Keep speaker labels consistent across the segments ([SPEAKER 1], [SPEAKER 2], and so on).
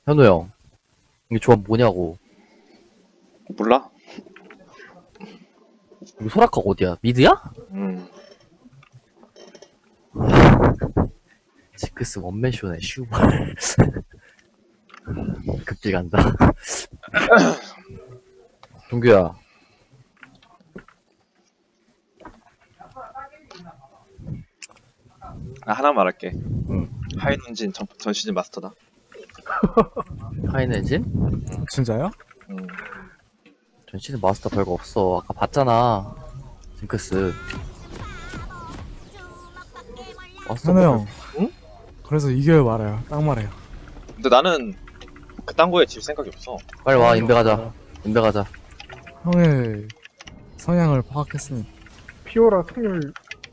[SPEAKER 1] 현우 형, 이게 조합 뭐냐고.
[SPEAKER 2] 몰라?
[SPEAKER 1] 이거 소라카 어디야? 미드야? 지크스 원맨쇼네, 슈발. 급질 간다. 동규야.
[SPEAKER 2] 아, 하나 말할게.
[SPEAKER 1] 응.
[SPEAKER 2] 하이눈진 전 시즌 마스터다.
[SPEAKER 1] 하이넨진?
[SPEAKER 3] 진짜요?
[SPEAKER 1] 전 시즌 마스터 별거 없어. 아까 봤잖아. 징크스. 마스터
[SPEAKER 3] 현우
[SPEAKER 1] 별-
[SPEAKER 3] 형.
[SPEAKER 2] 응?
[SPEAKER 3] 그래서 이겨요 말아요. 딱 말해요.
[SPEAKER 2] 근데 나는 그딴 거에 질 생각이 없어.
[SPEAKER 1] 빨리 와, 인베 가자. 인베 가자.
[SPEAKER 3] 형의 성향을 파악했으니.
[SPEAKER 4] 피오라 승률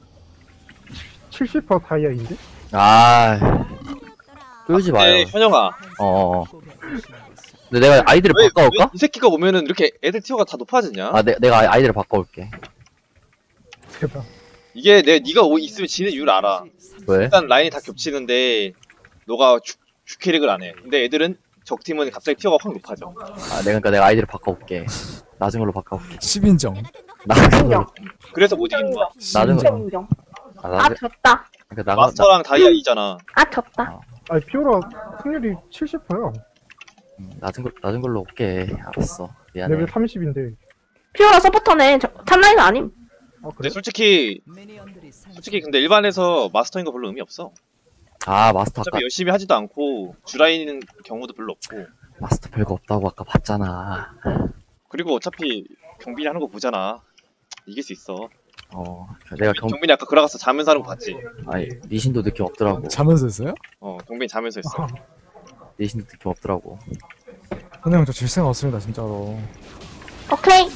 [SPEAKER 4] 70% 다이아인데?
[SPEAKER 1] 아, 끌지 마요.
[SPEAKER 2] 근데 현영아,
[SPEAKER 1] 어어어. 근데 내가 아이디를
[SPEAKER 2] 왜
[SPEAKER 1] 바꿔올까?
[SPEAKER 2] 이 새끼가 오면은 이렇게 애들 티어가 다 높아지냐?
[SPEAKER 1] 아, 내가 아이디를 바꿔올게.
[SPEAKER 4] 제발.
[SPEAKER 2] 이게 네가 있으면 지는 이유를 알아.
[SPEAKER 1] 왜?
[SPEAKER 2] 일단 라인이 다 겹치는데 너가 주캐릭을 안 해. 근데 애들은 적팀은 갑자기 티어가 확 높아져.
[SPEAKER 1] 아, 내가 아이디를 바꿔올게. 낮은 걸로 바꿔올게.
[SPEAKER 3] 10인정.
[SPEAKER 1] 낮은 걸로.
[SPEAKER 2] 그래서 못 이기는 거야.
[SPEAKER 1] 낮은 거.
[SPEAKER 5] 인정.
[SPEAKER 1] 아,
[SPEAKER 5] 아, 졌다.
[SPEAKER 1] 그러니까
[SPEAKER 2] 마스터랑 다이아 2잖아.
[SPEAKER 5] 아, 졌다.
[SPEAKER 4] 아니 피오라 승률이 70%야.
[SPEAKER 1] 낮은 걸로 올게. 알았어. 미안해.
[SPEAKER 4] 레벨 30인데.
[SPEAKER 5] 피오라 서포터네. 탑라인 아님.
[SPEAKER 4] 아
[SPEAKER 2] 근데
[SPEAKER 4] 그래?
[SPEAKER 2] 솔직히 근데 일반에서 마스터인 거 별로 의미 없어.
[SPEAKER 1] 아, 마스터 아까
[SPEAKER 2] 어차피 열심히 하지도 않고 주라이는 경우도 별로 없고.
[SPEAKER 1] 마스터 별거 없다고 아까 봤잖아.
[SPEAKER 2] 그리고 어차피 경빈이 하는 거 보잖아. 이길 수 있어.
[SPEAKER 1] 내가
[SPEAKER 2] 경빈이 아까 그라가스 자면서 하는 거 봤지?
[SPEAKER 1] 아니, 니신도 느낌 없더라고.
[SPEAKER 3] 자면서 했어요?
[SPEAKER 2] 경빈이 자면서 했어.
[SPEAKER 1] 니신도 느낌 없더라고.
[SPEAKER 3] 현우 형 저 질 생각 없습니다 진짜로.
[SPEAKER 5] 오케이.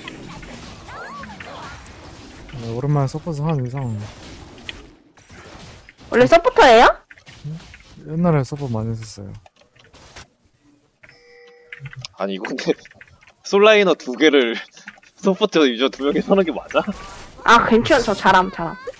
[SPEAKER 3] 네, 오랜만에 서포트 하는 이상
[SPEAKER 5] 원래 서포터예요?
[SPEAKER 3] 옛날에 서포트 많이 했었어요.
[SPEAKER 2] 아니 이거 근데 솔라이너 2개를 소프트 유저 2명이 서는 게 맞아?
[SPEAKER 5] 아, 괜찮아. 저 잘함.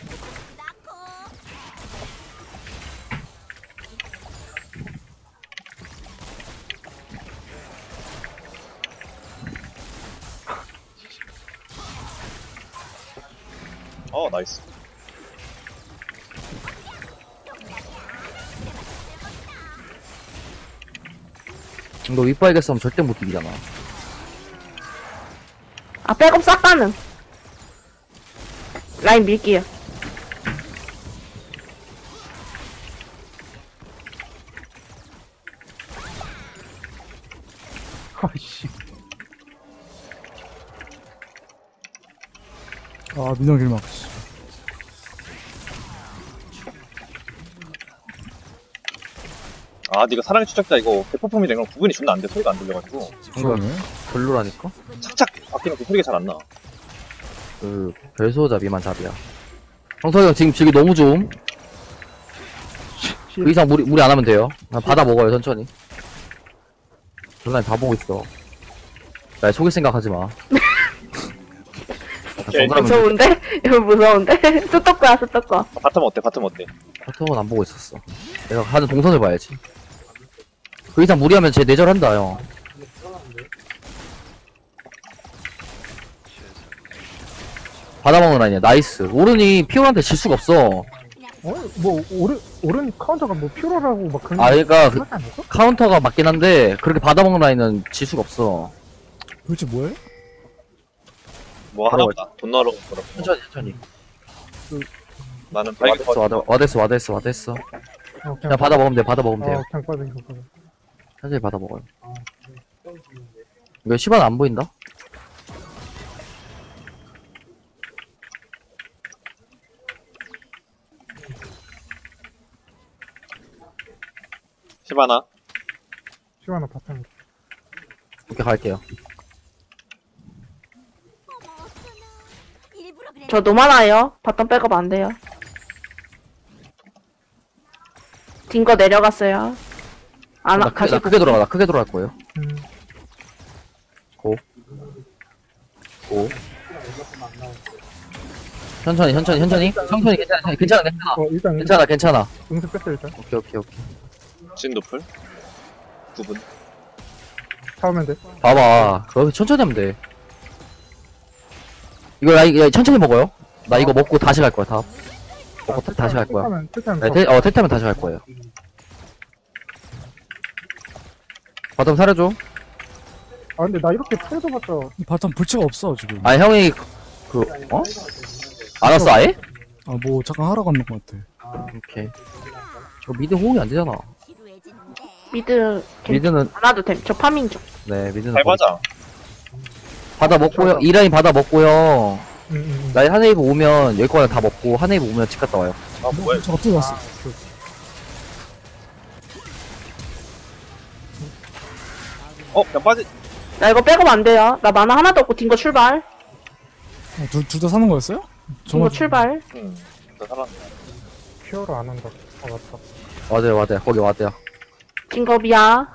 [SPEAKER 2] 나이스.
[SPEAKER 1] 너 윗바이게 싸면 절대 못 이기잖아.
[SPEAKER 5] 아, 백업 싹 가능. 라인 밀게요.
[SPEAKER 4] 아이씨.
[SPEAKER 3] 아 민영 길막.
[SPEAKER 2] 네가 사랑의 추적자 이거 대포폼이 된 건 구분이 존나 안 돼. 소리가 안 들려가지고
[SPEAKER 3] 그러네.
[SPEAKER 1] 별로라니까?
[SPEAKER 2] 착착 바뀌는 그 소리가 잘 안 나.
[SPEAKER 1] 그, 별소잡이만 잡이야. 형석이 형 지금 질기 너무 좋음. 그 이상 무리 안 하면 돼요. 그냥 받아 먹어요, 천천히. 전날 다 보고 있어. 나 속일 생각 하지 마. 정글하면
[SPEAKER 5] 무서운데? 이거 무서운데? 뚜떡거야.
[SPEAKER 2] 바텀 어때?
[SPEAKER 1] 카톡은 안 보고 있었어. 내가 하는 동선을 봐야지. 그 이상 무리하면 쟤 내절한다, 형. 받아먹는 라인이야. 나이스. 오른이 피오한테 질 수가 없어.
[SPEAKER 4] 뭐 오른 카운터가 뭐 피오라라고 막 그런.
[SPEAKER 1] 아, 그러니까 그
[SPEAKER 4] 하지 않을까?
[SPEAKER 1] 카운터가 맞긴 한데 그렇게 받아먹는 라인은 질 수가 없어.
[SPEAKER 3] 도대체 뭐해?
[SPEAKER 2] 뭐 하나 보다. 돈 넣으러 가더라고.
[SPEAKER 1] 천천히.
[SPEAKER 2] 나는 발기
[SPEAKER 1] 와댔어. 그냥 받아먹으면 돼요.
[SPEAKER 4] 그냥 빠져.
[SPEAKER 1] 천천히 받아먹어요. 이거 시바는 안 보인다?
[SPEAKER 2] 시바나.
[SPEAKER 4] 시원한 바탕.
[SPEAKER 1] 이렇게 갈게요.
[SPEAKER 5] 저 노만화요. 바텀 백업 안 돼요. 딩거 내려갔어요.
[SPEAKER 1] 나 크게 돌아갈 거예요. 고. 천천히
[SPEAKER 4] 일단
[SPEAKER 1] 괜찮아.
[SPEAKER 4] 응급 뺐어 일단.
[SPEAKER 1] 오케이.
[SPEAKER 2] 진 노플. 9분.
[SPEAKER 4] 잡으면 돼.
[SPEAKER 1] 봐봐. 그거 천천히 하면 돼. 이거 야, 천천히 먹어요. 나 이거 먹고 다시 갈 거야, 다. 먹고 다시 갈 거야.
[SPEAKER 4] 택하면
[SPEAKER 1] 네, 텔타면 다시 갈 거예요. 바텀 사려줘.
[SPEAKER 4] 아 근데 나 이렇게 풀어줘봤자
[SPEAKER 3] 바텀 불치가 없어 지금.
[SPEAKER 1] 아, 형이, 어? 안 왔어, 아예?
[SPEAKER 3] 아 뭐 잠깐 하러 갔는 것 같아.
[SPEAKER 1] 오케이. 저 미드 호응이 안 되잖아.
[SPEAKER 5] 미드
[SPEAKER 1] 미드는,
[SPEAKER 5] 안 와도 됨. 저 파밍 중.
[SPEAKER 1] 네, 미드는.
[SPEAKER 2] 잘 맞아.
[SPEAKER 1] 받아 먹고요. 이 라인 받아 먹고요.
[SPEAKER 4] 응.
[SPEAKER 1] 라인 한 웨이브 오면, 여기 거는 다 먹고, 한 웨이브 오면 집 갔다 와요.
[SPEAKER 2] 아, 뭐야.
[SPEAKER 3] 저 어떻게 갔어?
[SPEAKER 2] 그냥 빠지.
[SPEAKER 5] 나 이거 백업 안 돼요. 나 만화 하나도 없고 딩거 출발.
[SPEAKER 3] 둘 다 사는 거였어요?
[SPEAKER 5] 딩거 출발.
[SPEAKER 2] 응. 나 살았네.
[SPEAKER 4] 퓨어로 안 한다. 아 맞다.
[SPEAKER 1] 맞아요. 거기 맞아요.
[SPEAKER 5] 딩거 미야.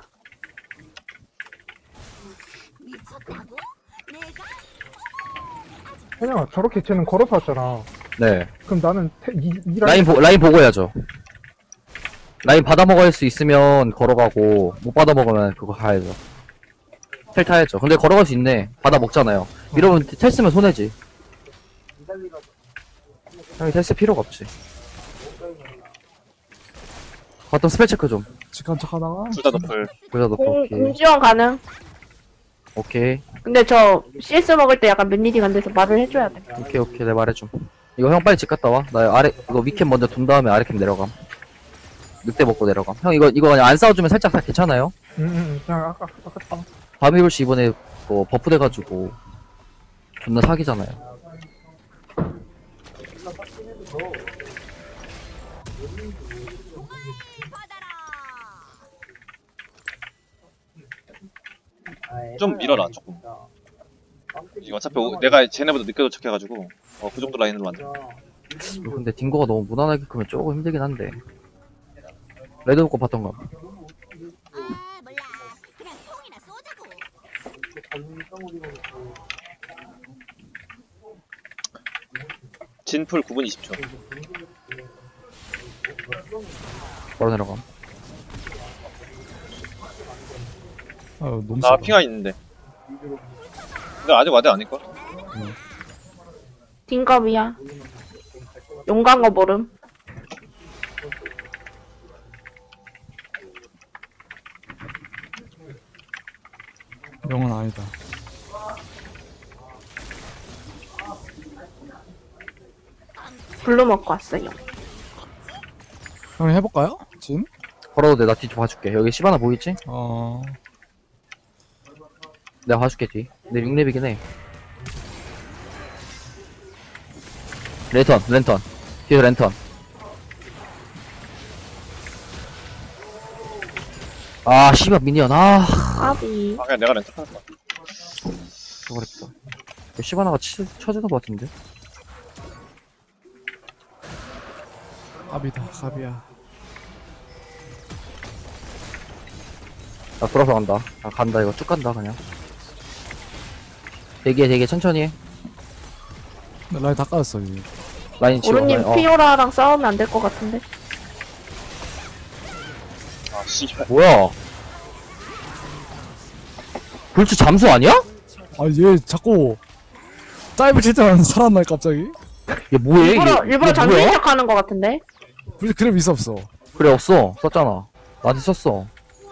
[SPEAKER 4] 혜영아 저렇게 쟤는 걸어서 왔잖아.
[SPEAKER 1] 네.
[SPEAKER 4] 그럼 나는 이 라인
[SPEAKER 1] 라인 보고 해야죠. 라인 받아 먹을 수 있으면 걸어가고, 못 받아 먹으면 그거 가야죠. 텔 타야죠. 근데 걸어갈 수 있네. 받아 먹잖아요. 이러면 텔 쓰면 손해지. 형이 텔 쓸 필요가 없지. 바텀 스펠 체크 좀.
[SPEAKER 3] 직관 척 하다가
[SPEAKER 2] 둘 다 너플.
[SPEAKER 1] 보자, 너 오케이.
[SPEAKER 5] 공지원 가능.
[SPEAKER 1] 오케이.
[SPEAKER 5] 근데 저 CS 먹을 때 약간 맨리딩 안 돼서 말을 해줘야 돼.
[SPEAKER 1] 오케이. 내 말해줌. 이거 형 빨리 집 갔다 와. 나 아래, 이거 위캠 먼저 둔 다음에 아래캠 내려감. 늑대 먹고 내려감. 형 이거 그냥 안 싸워주면 살짝 다 괜찮아요?
[SPEAKER 4] 그냥 아까
[SPEAKER 1] 바비블씨 이번에 뭐 버프 돼가지고 존나 사기잖아요.
[SPEAKER 2] 좀 밀어라, 조금. 이거 어차피 내가 쟤네보다 늦게 도착해가지고, 그 정도 라인으로 만들.
[SPEAKER 1] 근데 딩거가 너무 무난하게 크면 조금 힘들긴 한데. 레드 먹고 봤던가.
[SPEAKER 6] 아 몰라 그냥 총이나 쏘자고
[SPEAKER 2] 진풀 9분 20초.
[SPEAKER 1] 바로 내려감.
[SPEAKER 3] 아 너무
[SPEAKER 2] 나
[SPEAKER 3] 세다.
[SPEAKER 2] 핑하 있는데. 근데 아직 와드 아닐걸?
[SPEAKER 5] 딩거 미야. 용간 거 모름.
[SPEAKER 3] 영은 아니다.
[SPEAKER 5] 블루 먹고 왔어요.
[SPEAKER 3] 형 해볼까요? 진?
[SPEAKER 1] 걸어도 돼. 나 뒤 좀 봐줄게. 여기 시바나 보이지? 내가 봐줄게 뒤. 내 6렙이긴 해. 랜턴. 뒤에서 랜턴. 아, 씨발, 미니언.
[SPEAKER 5] 아비.
[SPEAKER 2] 그냥 내가 렌트 할까?
[SPEAKER 1] 저거랬다. 시바나가 쳐주는 것 같은데?
[SPEAKER 3] 갑이다 갑이야.
[SPEAKER 1] 나 돌아서 간다. 나 간다, 이거 쭉 간다, 그냥. 되게 천천히 해.
[SPEAKER 3] 근데 라인 다 까졌어 이제.
[SPEAKER 1] 라인 치워.
[SPEAKER 5] 오르님
[SPEAKER 1] 라인,
[SPEAKER 5] 피오라랑 싸우면 안 될 것 같은데.
[SPEAKER 2] 아, 씨발.
[SPEAKER 1] 뭐야? 불치 잠수 아니야?
[SPEAKER 3] 아 얘 자꾸 다이브 칠 때만 살았나 갑자기?
[SPEAKER 1] 얘 뭐해?
[SPEAKER 5] 일부러
[SPEAKER 1] 얘
[SPEAKER 5] 장수인
[SPEAKER 1] 뭐야?
[SPEAKER 5] 척하는 것 같은데.
[SPEAKER 3] 불치 그랩 있어 없어?
[SPEAKER 1] 그래, 없어. 썼잖아. 나한테 썼어.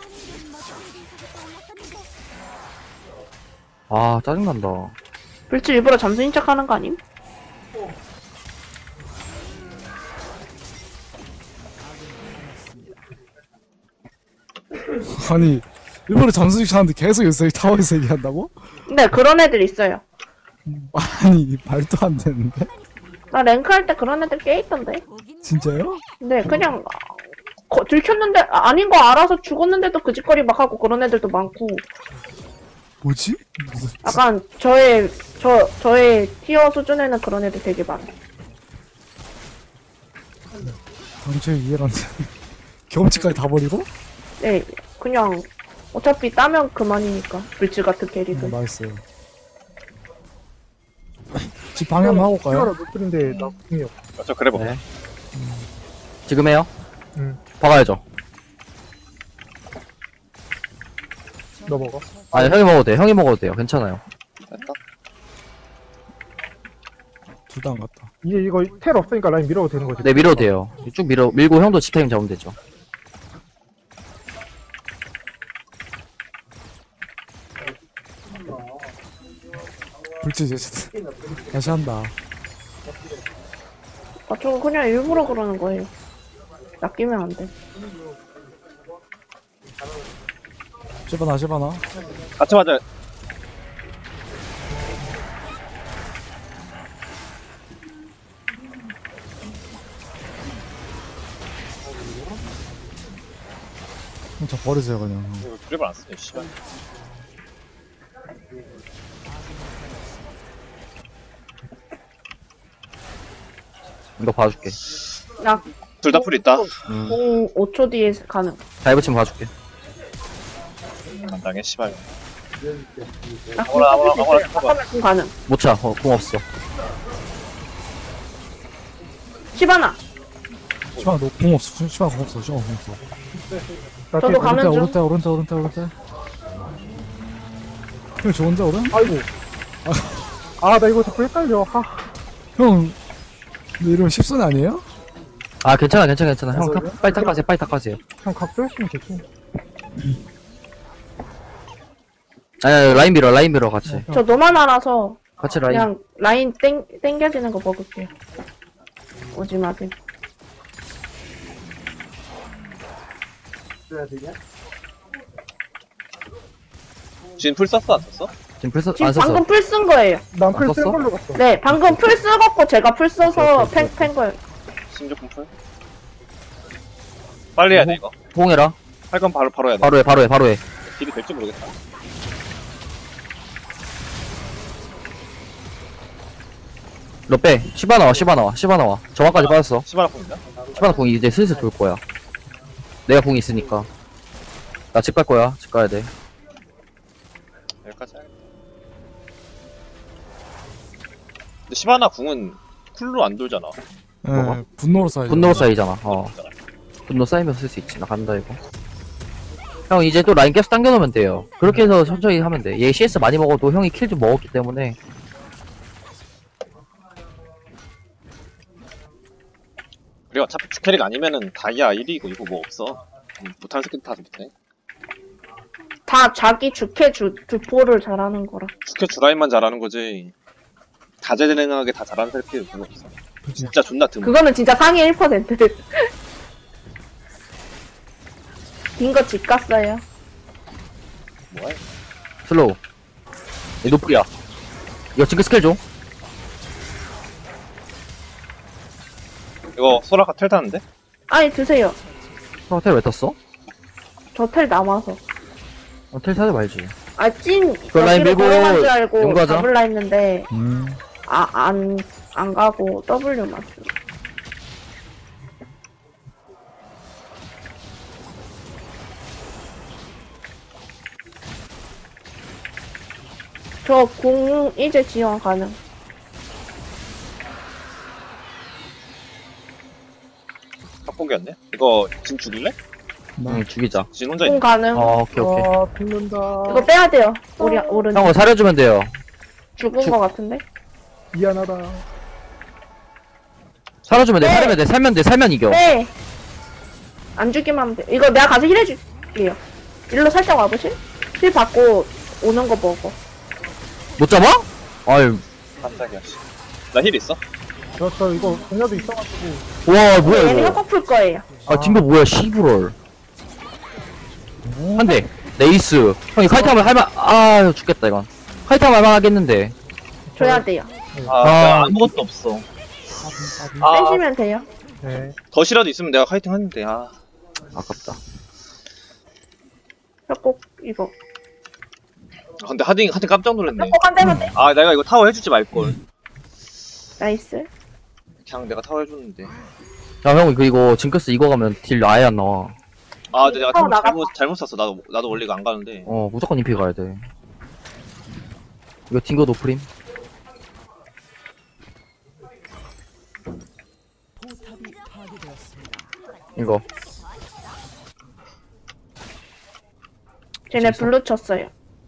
[SPEAKER 1] 아, 짜증난다.
[SPEAKER 5] 불치 일부러 잠수인 척하는 거 아님?
[SPEAKER 3] 아니 일본에 잠수식 하는데 계속 여기서 타워에서 얘기한다고?
[SPEAKER 5] 근데 그런 애들 있어요.
[SPEAKER 3] 아니 말도 안 되는데?
[SPEAKER 5] 나 랭크 할 때 그런 애들 꽤 있던데.
[SPEAKER 3] 진짜요?
[SPEAKER 5] 근데 그냥 들켰는데 아닌 거 알아서 죽었는데도 그 짓거리 막 하고 그런 애들도 많고.
[SPEAKER 3] 뭐지?
[SPEAKER 5] 약간 저의 티어 수준에는 그런 애들 되게 많아.
[SPEAKER 3] 당초에 이해가 안 돼. 경험치까지 다 버리고?
[SPEAKER 5] 네, 그냥 어차피 따면 그만이니까 불치 같은 캐릭은.
[SPEAKER 3] 맛있어요. 집 방해 한번 하고
[SPEAKER 4] 퓨어라
[SPEAKER 3] 올까요?
[SPEAKER 4] 노플인데 나 궁이 없어.
[SPEAKER 2] 저 그래 봐.
[SPEAKER 1] 네. 지금 해요?
[SPEAKER 4] 응.
[SPEAKER 1] 박아야죠.
[SPEAKER 4] 너 먹어.
[SPEAKER 1] 아니, 형이 먹어도 돼요. 형이 먹어도 돼요. 괜찮아요.
[SPEAKER 2] 됐다.
[SPEAKER 3] 둘 다 안 갔다.
[SPEAKER 4] 이제 이거 텔 없으니까 라인 밀어도 되는 거지.
[SPEAKER 1] 네, 밀어도 돼요. 쭉 밀고 형도 집타임 잡으면 되죠.
[SPEAKER 3] 불치 이제 다시 한다.
[SPEAKER 5] 저거 그냥 일부러 그러는 거예요. 낚이면 안 돼.
[SPEAKER 3] 쉐바나.
[SPEAKER 2] 같이 맞아.
[SPEAKER 3] 형, 저 버리세요, 그냥.
[SPEAKER 2] 이거 그립을 안 쓰네, 씨발.
[SPEAKER 1] 이거 봐줄게.
[SPEAKER 5] 나
[SPEAKER 2] 둘 다 풀 있다.
[SPEAKER 5] 공 5초 뒤에 가능.
[SPEAKER 1] 다이브 치면 봐줄게.
[SPEAKER 2] 안 당해, 씨발.
[SPEAKER 5] 나공
[SPEAKER 2] 아무나,
[SPEAKER 5] 쓸수
[SPEAKER 2] 아무나
[SPEAKER 5] 있어요.
[SPEAKER 2] 쳐봐.
[SPEAKER 5] 잠깐만 공 가능.
[SPEAKER 1] 못 차. 공 없어.
[SPEAKER 5] 시바나.
[SPEAKER 3] 시방, 너공 없어. 시방 공 없어. 시방 공 없어.
[SPEAKER 4] 나
[SPEAKER 5] 저도
[SPEAKER 4] 뒤에
[SPEAKER 5] 가는 중.
[SPEAKER 3] 오른쪽. 형, 좋은데, 오른?
[SPEAKER 4] 아이고. 아, 나 이거 자꾸 헷갈려. 아,
[SPEAKER 3] 형, 근데 이러면 10손 아니에요?
[SPEAKER 1] 아, 괜찮아. 형, 빨리 탁하세요.
[SPEAKER 4] 그냥 각도했으면 됐지.
[SPEAKER 1] 아니, 라인 밀어, 같이.
[SPEAKER 5] 저 너만 알아서
[SPEAKER 1] 같이 라인.
[SPEAKER 5] 그냥 라인 땡겨지는 거 먹을게요. 오지 마세요.
[SPEAKER 2] 지금 풀 썼어, 안 썼어?
[SPEAKER 1] 지금 풀
[SPEAKER 5] 지금
[SPEAKER 1] 안 썼어.
[SPEAKER 5] 방금 풀 쓴 거예요.
[SPEAKER 4] 난 풀
[SPEAKER 1] 안
[SPEAKER 4] 쓴
[SPEAKER 1] 썼어?
[SPEAKER 4] 걸로 갔어.
[SPEAKER 5] 네, 방금 풀 쓰고 제가 풀 써서
[SPEAKER 1] 오케이.
[SPEAKER 5] 팬 거예요.
[SPEAKER 2] 신조품 풀? 빨리 해야 돼, 이거.
[SPEAKER 1] 호응해라.
[SPEAKER 2] 할 건 바로 해야 돼.
[SPEAKER 1] 바로 해.
[SPEAKER 2] 딜이 될지 모르겠다.
[SPEAKER 1] 너 빼. 시바 나와. 정확까지 빠졌어.
[SPEAKER 2] 시바나 풀인가?
[SPEAKER 1] 시바나 궁이 이제 슬슬 돌 거야. 내가 궁이 있으니까. 나 집 갈 거야. 집 가야 돼.
[SPEAKER 2] 여기까지 해야겠다. 근데 시바나 궁은 쿨로 안 돌잖아.
[SPEAKER 1] 뭐가?
[SPEAKER 3] 예, 분노로 쌓이죠.
[SPEAKER 1] 분노 쌓이잖아. 분노 쌓이면서 쓸 수 있지. 나 간다, 이거. 형, 이제 또 라인 계속 당겨놓으면 돼요. 그렇게 해서 천천히 하면 돼. 얘 CS 많이 먹어도 형이 킬 좀 먹었기 때문에.
[SPEAKER 2] 그리고 어차피 주캐릭 아니면은 다이아 1이고 이거 뭐 없어. 못하는 새끼들 다 못해.
[SPEAKER 5] 다 자기 주포를 잘하는 거라.
[SPEAKER 2] 주캐 주라인만 잘하는 거지. 다재다능하게 다 잘하는 새끼들 별로 없어. 진짜 존나 드문.
[SPEAKER 5] 그거는 진짜 상위 1%. 빈거 집 갔어요.
[SPEAKER 2] 뭐야?
[SPEAKER 1] 슬로우. 얘 노플이야. 이거 징크 스킬 줘.
[SPEAKER 2] 이거 소라카 텔 타는데?
[SPEAKER 5] 아니 드세요.
[SPEAKER 1] 호텔 왜 탔어?
[SPEAKER 5] 저 텔 남아서.
[SPEAKER 1] 호텔 타지 말지.
[SPEAKER 5] 찐
[SPEAKER 1] 라인
[SPEAKER 5] 여기로
[SPEAKER 1] 밀고
[SPEAKER 5] 걸어간 줄 알고
[SPEAKER 1] 용가자.
[SPEAKER 5] 잡을라 했는데
[SPEAKER 3] 음.
[SPEAKER 5] 안 가고 W 맞죠. 저 공 이제 지원 가능.
[SPEAKER 2] 합공기였네? 이거 진 죽일래?
[SPEAKER 1] 응, 죽이자.
[SPEAKER 2] 진 혼자
[SPEAKER 5] 공
[SPEAKER 2] 있네.
[SPEAKER 5] 가능.
[SPEAKER 1] 오케이.
[SPEAKER 4] 아, 죽는다.
[SPEAKER 5] 이거 빼야 돼요. 우리 오른
[SPEAKER 1] 형을 사려주면 돼요.
[SPEAKER 5] 죽은 거 같은데.
[SPEAKER 4] 미안하다.
[SPEAKER 1] 살아주면 돼.
[SPEAKER 5] 네.
[SPEAKER 1] 살면 이겨.
[SPEAKER 5] 네. 안 죽기만 하면 돼. 이거 내가 가서 힐 해줄게요. 일로 살짝 와보실? 힐 받고 오는 거 보고.
[SPEAKER 1] 못 잡아? 아유,
[SPEAKER 2] 깜짝이야, 씨. 나 힐 있어?
[SPEAKER 4] 저 이거 공녀도 있어가지고.
[SPEAKER 1] 와, 뭐야,
[SPEAKER 5] 얘는
[SPEAKER 1] 이거.
[SPEAKER 5] 협곡 풀 거예요.
[SPEAKER 1] 아, 딩거 뭐야, 시브롤. 한 대. 네이스. 형이 카이트하면 할만, 죽겠다, 이건. 카이트하면 할만하겠는데.
[SPEAKER 5] 줘야 돼요.
[SPEAKER 2] 내가 아무것도 없어.
[SPEAKER 5] 빼시면 돼요.
[SPEAKER 4] 네.
[SPEAKER 2] 덫이라도 있으면 내가 카이팅 하는데,
[SPEAKER 1] 아깝다.
[SPEAKER 5] 협곡 이거.
[SPEAKER 2] 근데 하딩 깜짝 놀랐네.
[SPEAKER 5] 협곡 한 대만 돼.
[SPEAKER 2] 내가 이거 타워 해주지 말걸.
[SPEAKER 5] 나이스.
[SPEAKER 2] 그냥 내가 타워 해줬는데.
[SPEAKER 1] 야, 형, 이거, 징크스 이거 가면 딜 아예 안 나와.
[SPEAKER 2] 근데 내가
[SPEAKER 5] 타워
[SPEAKER 2] 잘못 샀어. 나도 원래 이거 안 가는데.
[SPEAKER 1] 무조건 인피 가야 돼. 이거 딩거 노프림? 이거.
[SPEAKER 5] 쟤네 블루 쳤어요.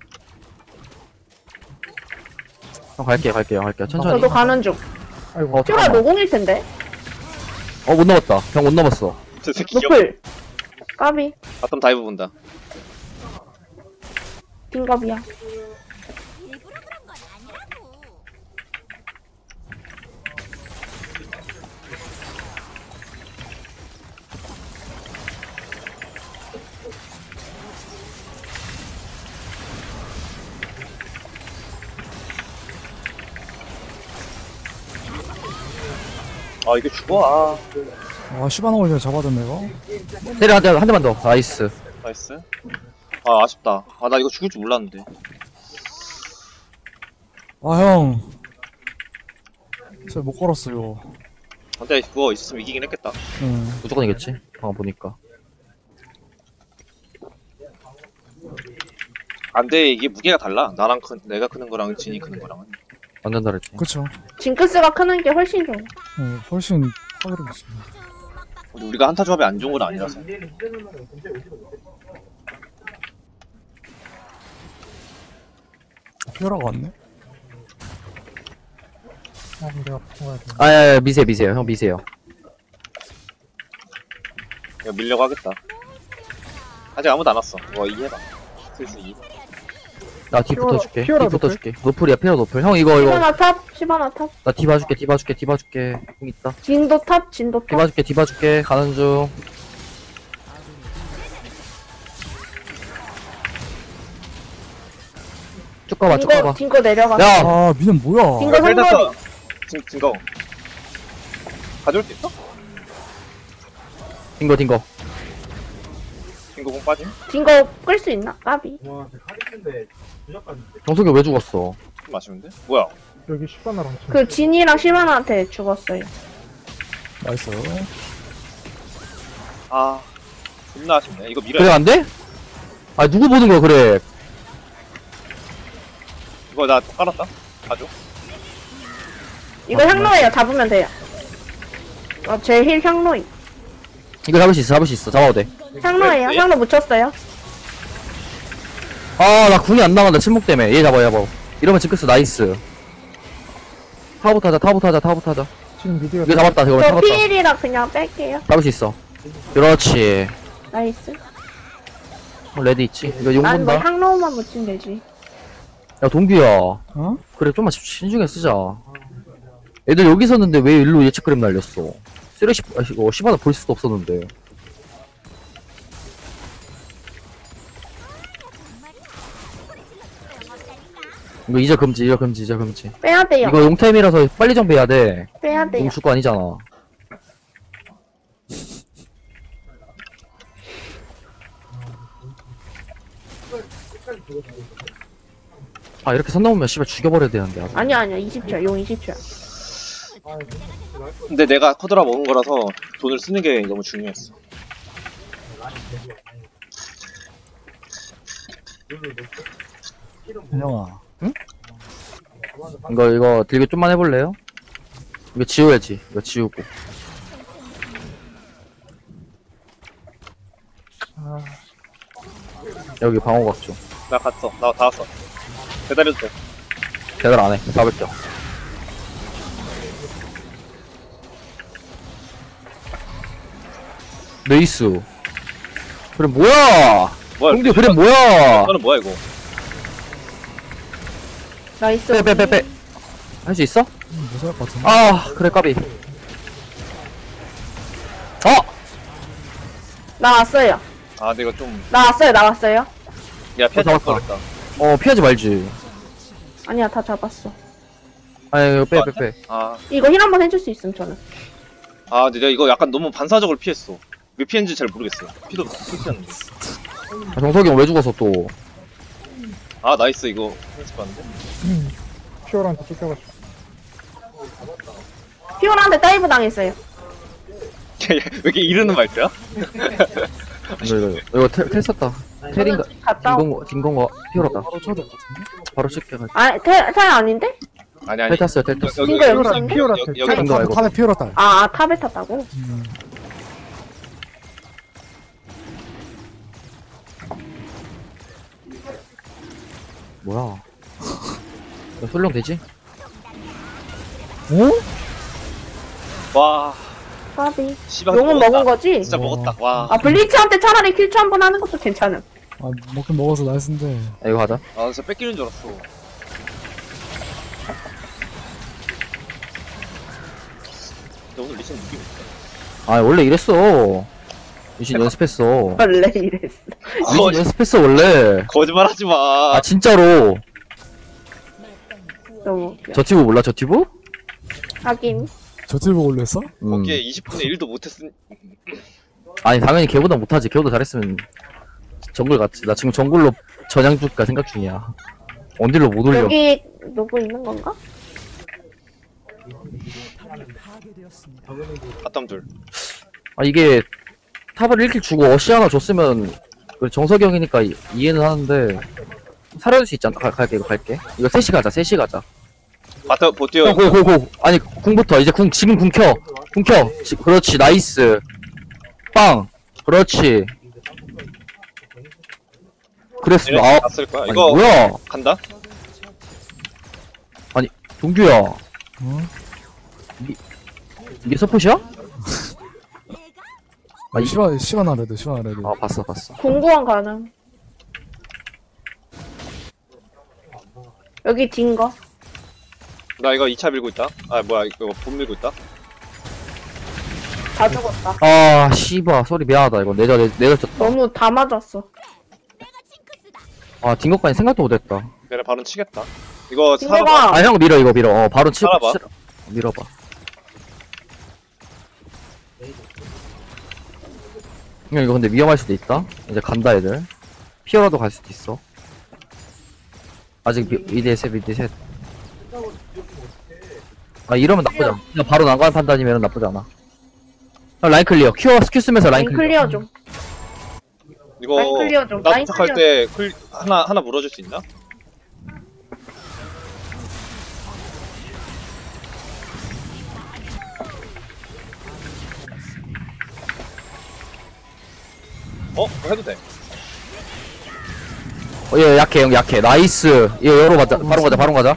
[SPEAKER 1] 형 갈게요. 천천히.
[SPEAKER 5] 저도 가는 중.
[SPEAKER 4] 아이고.
[SPEAKER 5] 퓨라
[SPEAKER 1] 잠깐만.
[SPEAKER 5] 노공일 텐데.
[SPEAKER 1] 못 넘었다. 형 못 넘었어.
[SPEAKER 2] 저 새끼 귀엽.
[SPEAKER 5] 노플. 까비.
[SPEAKER 2] 바텀 다이브 본다.
[SPEAKER 5] 딩겁이야.
[SPEAKER 6] 일부러 그런 건 아니라고.
[SPEAKER 2] 아 이게 죽어.
[SPEAKER 3] 와 시바나 올려 잡아줬네 이거.
[SPEAKER 1] 때려 한 대만 더. 나이스.
[SPEAKER 2] 나이스. 아 아쉽다. 아 나 이거 죽을 줄 몰랐는데.
[SPEAKER 3] 아 형. 진짜 못 걸었어 이거.
[SPEAKER 2] 근데 그거 있었으면 이기긴 했겠다.
[SPEAKER 3] 응.
[SPEAKER 1] 무조건 이겼지. 방금 보니까.
[SPEAKER 2] 안돼 이게 무게가 달라. 나랑 내가 크는 거랑 진이 크는 거랑은.
[SPEAKER 1] 완전 다르지.
[SPEAKER 3] 그쵸.
[SPEAKER 5] 징크스가 크는 게 훨씬 좋아.
[SPEAKER 3] 훨씬 확률이 있어.
[SPEAKER 2] 근데 우리가 한타 조합이 안 좋은 건 아니라서.
[SPEAKER 3] 피어라가 왔네.
[SPEAKER 4] 아, 내가 먹어야 돼.
[SPEAKER 1] 미세요. 형 미세요.
[SPEAKER 2] 이거 밀려고 하겠다. 아직 아무도 안 왔어. 이거 이해봐. 슬슬 이.
[SPEAKER 1] 나 뒤
[SPEAKER 4] 피오라-
[SPEAKER 1] 붙어줄게.
[SPEAKER 4] 피오라
[SPEAKER 1] 뒤 붙어줄게. 노플이야. 피오라 노플. 형 이거.
[SPEAKER 5] 시바나 탑. 시바나 탑.
[SPEAKER 1] 나 뒤 봐줄게. 형 있다.
[SPEAKER 5] 진도 탑. 진도
[SPEAKER 1] 뒤
[SPEAKER 5] 탑.
[SPEAKER 1] 봐줄게. 가는 중. 쭉 가봐.
[SPEAKER 5] 딩거 내려가.
[SPEAKER 1] 야!
[SPEAKER 3] 아 미는 뭐야?
[SPEAKER 5] 딩거 상거리.
[SPEAKER 2] 증거. 가져올 수 있어?
[SPEAKER 1] 딩거.
[SPEAKER 2] 증거 공 빠짐?
[SPEAKER 5] 딩거 끌 수 있나? 까비.
[SPEAKER 1] 정석이 왜 죽었어?
[SPEAKER 2] 좀 아쉬운데? 뭐야?
[SPEAKER 4] 여기 시바나랑 친.
[SPEAKER 5] 그 진이랑 시바나한테 죽었어요.
[SPEAKER 3] 나이스.
[SPEAKER 2] 아 존나 아쉽네. 이거 밀어야
[SPEAKER 1] 그래
[SPEAKER 2] 돼.
[SPEAKER 1] 안 돼? 아 누구 보는 거야 그래?
[SPEAKER 2] 이거 나 깔았다. 가져.
[SPEAKER 5] 이거 향로예요. 잡으면 돼요. 제 힐 향로이.
[SPEAKER 1] 이거 잡을 수 있어. 잡아도 돼.
[SPEAKER 5] 향로예요.
[SPEAKER 2] 네.
[SPEAKER 5] 향로 묻혔어요.
[SPEAKER 1] 아 나 궁이 안 나간다 침묵 때문에. 얘 잡아. 이러면 징크스 나이스. 타부터 하자.
[SPEAKER 4] 지금 미디어.
[SPEAKER 1] 이거 잡았다. 이거
[SPEAKER 5] 저
[SPEAKER 1] 잡았다.
[SPEAKER 5] 피일이라 그냥 뺄게요.
[SPEAKER 1] 잡을 수 있어. 그렇지.
[SPEAKER 5] 나이스.
[SPEAKER 1] 레디 있지. 이거 용
[SPEAKER 5] 난 뭐
[SPEAKER 1] 본다.
[SPEAKER 5] 향로만 묻히면 되지.
[SPEAKER 1] 야 동규야.
[SPEAKER 3] 어?
[SPEAKER 1] 그래 좀만 신중히 쓰자. 애들 여기 있었는데 왜 일로 예측 그램 날렸어? 쓰레쉬 이거 시바나 볼 수도 없었는데. 이거 이제 금지.
[SPEAKER 5] 빼야 돼요.
[SPEAKER 1] 이거 용타임이라서 빨리 정비해야 돼.
[SPEAKER 5] 빼야 돼요.
[SPEAKER 1] 용 줄 거 아니잖아. 아 이렇게 선 넘으면 씨발 죽여버려야 되는데 아주.
[SPEAKER 5] 아니야. 20초야. 용 20초야.
[SPEAKER 2] 근데 내가 코드라 먹은 거라서 돈을 쓰는 게 너무 중요했어.
[SPEAKER 3] 현영아.
[SPEAKER 1] 이거 딜교 좀만 해볼래요? 이거 지워야지. 이거 지우고. 여기 방어각 좀.
[SPEAKER 2] 나 갔어. 나 다 왔어. 기다려도 돼.
[SPEAKER 1] 대달 안 해. 잡을게요. 레이스. 그래 뭐야?
[SPEAKER 2] 뭐야?
[SPEAKER 1] 동규 그래 뭐야?
[SPEAKER 2] 너는 뭐야 이거?
[SPEAKER 5] 나이스.
[SPEAKER 1] 빼. 할 수 있어?
[SPEAKER 3] 무서울 것 같은데.
[SPEAKER 1] 아 그래 까비.
[SPEAKER 5] 나왔어요.
[SPEAKER 2] 아 근데 이거 좀.
[SPEAKER 5] 나왔어요.
[SPEAKER 2] 야 피하지
[SPEAKER 1] 잡았다.
[SPEAKER 2] 말걸
[SPEAKER 1] 피하지 말지.
[SPEAKER 5] 아니야. 다 잡았어.
[SPEAKER 1] 아니 이거 빼.
[SPEAKER 2] 아,
[SPEAKER 5] 이거 힐 한번 해줄 수 있음 저는.
[SPEAKER 2] 아 근데 내가 이거 약간 너무 반사적으로 피했어. 왜 피했는지 잘 모르겠어. 피도 피했는데.
[SPEAKER 1] 아, 정석이 형 왜 죽었어 또?
[SPEAKER 2] 아 나이스 이거 했을 것 같은데.
[SPEAKER 4] 피오라한테 쫓겨가지고.
[SPEAKER 5] 피오라한테 다이브 당했어요.
[SPEAKER 2] 왜 이렇게 이르는 말투야?
[SPEAKER 1] 이거 텔 썼다. 텔인가?
[SPEAKER 5] 갔다 오.
[SPEAKER 1] 딩건가? 피어났다.
[SPEAKER 3] 바로 쳐야 될 것 같은데.
[SPEAKER 1] 바로 씻게 가지고.
[SPEAKER 5] 아, 텔 아닌데?
[SPEAKER 2] 아니
[SPEAKER 1] 텔 탔어요. 텔 탔어.
[SPEAKER 2] 여기
[SPEAKER 5] 이거 여기
[SPEAKER 4] 피오라,
[SPEAKER 5] 있었네?
[SPEAKER 4] 피오라
[SPEAKER 2] 여기
[SPEAKER 4] 텔.
[SPEAKER 2] 여기
[SPEAKER 1] 거 알고.
[SPEAKER 3] 탑에 피어라 딸.
[SPEAKER 5] 아, 탑에 탔다고?
[SPEAKER 1] 뭐야. 솔룡 되지?
[SPEAKER 3] 어?
[SPEAKER 2] 와
[SPEAKER 5] 까비.
[SPEAKER 2] 씨발
[SPEAKER 5] 용은 먹은 거지?
[SPEAKER 2] 진짜 먹었다. 와.
[SPEAKER 5] 아, 블리츠한테 차라리 킬추 한 번 하는 것도 괜찮음.
[SPEAKER 3] 아, 먹긴 먹어서 나이스인데.
[SPEAKER 1] 야, 이거 하자.
[SPEAKER 2] 아 진짜 뺏기는 줄 알았어. 근데 오늘 리신 느낌 있다.
[SPEAKER 1] 아, 원래 이랬어. 유신 연습했어.
[SPEAKER 5] 원래 이랬어.
[SPEAKER 1] 유신 연습했어, 원래.
[SPEAKER 2] 거짓말 하지 마.
[SPEAKER 1] 아, 진짜로.
[SPEAKER 5] 너무 웃겨.
[SPEAKER 1] 저 티브 몰라, 저 티브?
[SPEAKER 5] 하긴.
[SPEAKER 3] 저 틸 보고 올렸어?
[SPEAKER 2] 거기에 20분의 1도 못했으니.
[SPEAKER 1] 아니, 당연히 걔보다 못하지. 걔보다 잘했으면 정글 갔지. 나 지금 정글로 전향 줄까 생각 중이야. 원딜로 못 올려.
[SPEAKER 5] 여기 누구 있는 건가?
[SPEAKER 2] 아땀둘.
[SPEAKER 1] 아, 이게 탑을 1킬 주고 어시 하나 줬으면 그래, 정석이 형이니까 이해는 하는데 살아줄 수 있잖아. 갈게, 이거 갈게. 이거 셋이 가자, 셋이 가자.
[SPEAKER 2] 바터 보티어.
[SPEAKER 1] 고. 아니, 궁부터. 이제 지금 궁 켜. 궁 켜. 그렇지, 나이스. 빵. 그렇지. 그랬어. 아,
[SPEAKER 2] 갔을 거야.
[SPEAKER 1] 아니,
[SPEAKER 2] 이거
[SPEAKER 1] 뭐야.
[SPEAKER 2] 간다.
[SPEAKER 1] 동규야.
[SPEAKER 3] 어?
[SPEAKER 1] 이게 서폿이야? 아,
[SPEAKER 3] 시간 레드.
[SPEAKER 1] 아, 봤어.
[SPEAKER 5] 공구원 가능. 여기 딘 거.
[SPEAKER 2] 나 이거 2차 밀고 있다. 아 뭐야 이거 본 밀고 있다.
[SPEAKER 5] 다 죽었다.
[SPEAKER 1] 아, 씨바. 소리 미안하다. 이거 내려졌다.
[SPEAKER 5] 너무 다 맞았어.
[SPEAKER 1] 아, 딩것까지 생각도 못했다.
[SPEAKER 2] 내가 바로 치겠다. 이거
[SPEAKER 5] 딩거가
[SPEAKER 2] 살아봐.
[SPEAKER 1] 아, 형 밀어, 이거 밀어. 바로
[SPEAKER 2] 살아봐.
[SPEAKER 1] 밀어봐. 형, 이거 근데 위험할 수도 있다. 이제 간다, 애들. 피어라도 갈 수도 있어. 아직 미드에 셋. 아, 이러면 나쁘지 않아. 그냥 바로 난관 판단이면 나쁘지 않아. 형, 라인 클리어. 스큐 쓰면서 라인
[SPEAKER 5] 라인
[SPEAKER 1] 클리어.
[SPEAKER 5] 클리어 좀.
[SPEAKER 2] 이거
[SPEAKER 5] 라인 클리어 좀.
[SPEAKER 2] 나
[SPEAKER 5] 라인
[SPEAKER 2] 도착할
[SPEAKER 5] 클리어.
[SPEAKER 2] 때 하나 물어줄 수 있나? 그거 해도 돼.
[SPEAKER 1] 얘 약해, 형, 약해. 나이스. 얘 열어가자. 바로 가자.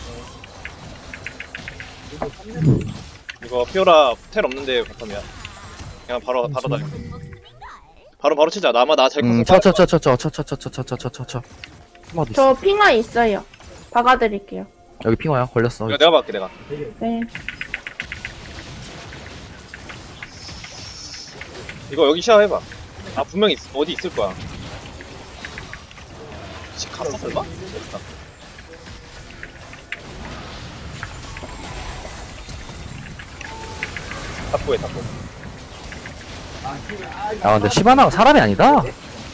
[SPEAKER 2] 이거 피오라 텔 없는데 바텀이야. 그냥 바로 달려. 바로 치자. 나 잘 컸어.
[SPEAKER 1] 쳐. 한마디 있어.
[SPEAKER 5] 저 핑화 있어요. 박아드릴게요.
[SPEAKER 1] 여기 핑화야. 걸렸어.
[SPEAKER 2] 이거 내가 막게 내가.
[SPEAKER 5] 네.
[SPEAKER 2] 이거 여기 시야해봐. 아 분명히 어디 있을 거야. 집 갔어 설마? 탑보해 탑보.
[SPEAKER 1] 아, 근데 시바나가 사람이 아니다.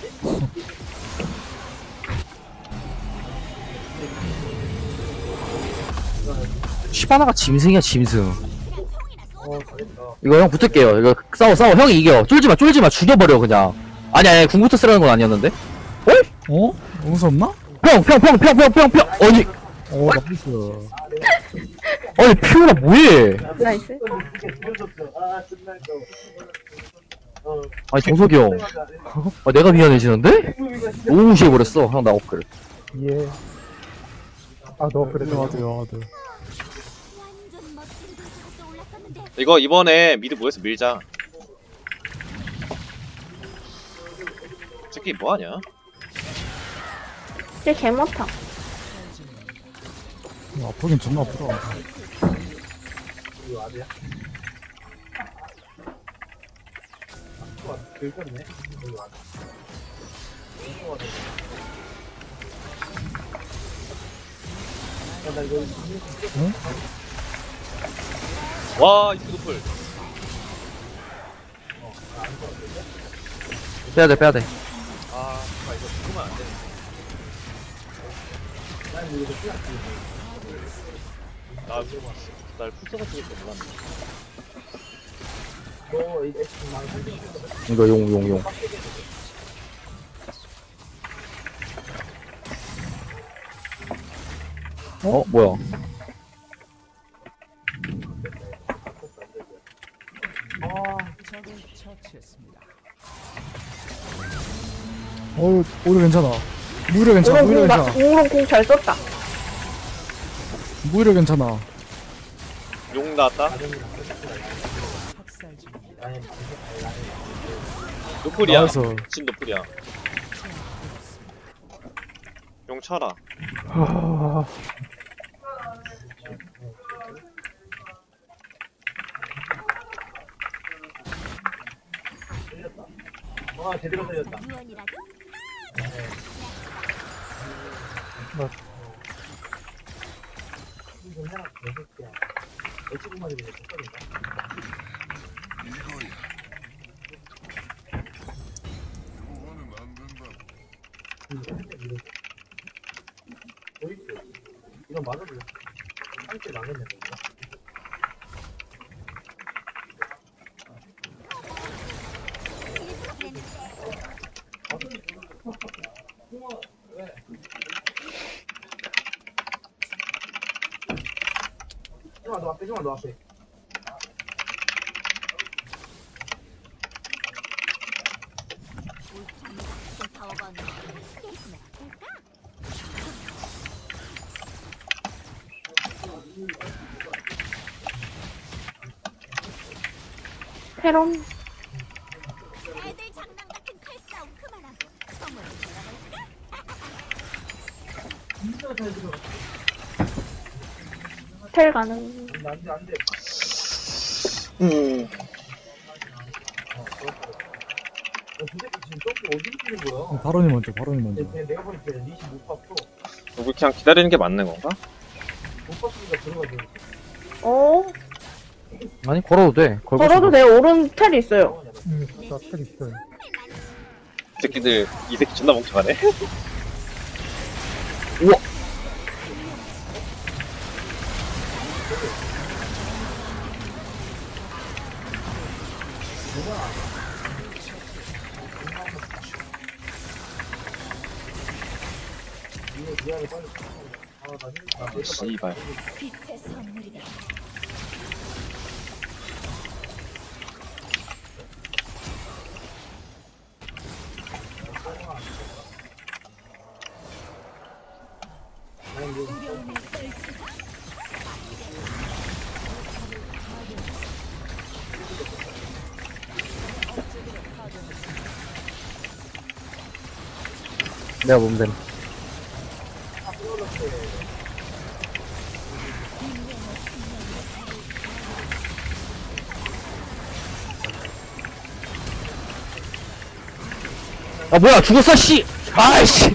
[SPEAKER 1] 시바나가 짐승이야, 짐승. 이거 형 붙을게요. 이거 싸워. 형이 이겨. 쫄지 마. 죽여버려, 그냥. 아니, 궁부터 쓰라는 건 아니었는데?
[SPEAKER 3] 어? 용서 없나?
[SPEAKER 1] 평! 아니,
[SPEAKER 3] 나이스.
[SPEAKER 1] 아니, 피오라 뭐해?
[SPEAKER 5] 나이스.
[SPEAKER 1] 아니, 정석이 형. 아, 내가 미안해지는데? 너무 무시해버렸어. 형, 나 업글.
[SPEAKER 4] 예. 아, 너 그래.
[SPEAKER 3] 와드.
[SPEAKER 6] 완전 멋진 도시가 떠올랐었는데
[SPEAKER 2] 이거 이번에 미드 모여서 밀자. 새끼 뭐하냐?
[SPEAKER 5] 쟤 개못함.
[SPEAKER 3] 아프긴 존나 아프다.
[SPEAKER 2] 와 이스 노플.
[SPEAKER 1] 빼야돼.
[SPEAKER 2] 아 이거 죽으면 안 되는데. 날 풀서가 죽을 줄 몰랐네.
[SPEAKER 1] 이거 용. 뭐야.
[SPEAKER 3] 오히려 괜찮아. 무이려 괜찮아, 무이려 괜찮아.
[SPEAKER 5] 우롱 공잘 썼다.
[SPEAKER 3] 무이려 괜찮아.
[SPEAKER 2] 용 나왔다. 노플이야.
[SPEAKER 3] 나와서.
[SPEAKER 2] 진 노플이야. 용 쳐라.
[SPEAKER 4] 하...
[SPEAKER 6] 유언이라도 같은 파워가 없는 게 있으면 어떨까?
[SPEAKER 5] 테론.
[SPEAKER 6] 애들 장난 같은 칼싸움 그만하고 선물을 받아볼까?
[SPEAKER 5] 텔 가능.
[SPEAKER 3] 바론이 먼저, 바론이 먼저.
[SPEAKER 2] 우리 그냥 기다리는 게 맞는 건가?
[SPEAKER 5] 어?
[SPEAKER 1] 아니, 걸어도 돼. 걸고
[SPEAKER 5] 걸어도 돼. 오른 텔이 있어요.
[SPEAKER 4] 나텔 있어요.
[SPEAKER 2] 이 새끼들, 이 새끼 존나 멍청하네. 씨발.
[SPEAKER 6] 빛의 선물이다.
[SPEAKER 1] 내가 몸됨. 아, 뭐야, 죽었어, 씨! 아이씨!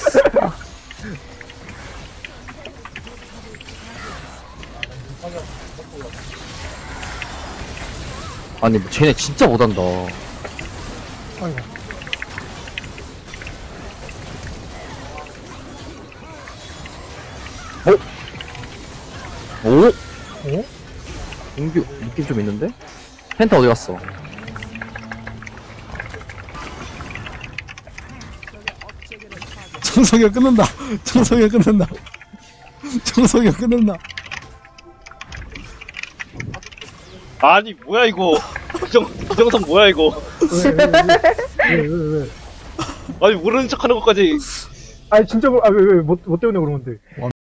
[SPEAKER 1] 아니, 뭐, 쟤네 진짜 못한다.
[SPEAKER 4] 아이고.
[SPEAKER 1] 오?
[SPEAKER 4] 어?
[SPEAKER 1] 공규, 느낌 좀 있는데? 펜타 어디 갔어?
[SPEAKER 3] 청소기가 끊는다. 청소기가 끊는다. 청소기가 끊는다.
[SPEAKER 2] 아니, 뭐야, 이거. 이정성 뭐야, 이거.
[SPEAKER 4] 왜?
[SPEAKER 2] 아니, 모르는 척 하는 것까지.
[SPEAKER 4] 아니 진짜 왜 뭐 때문에 그러는데?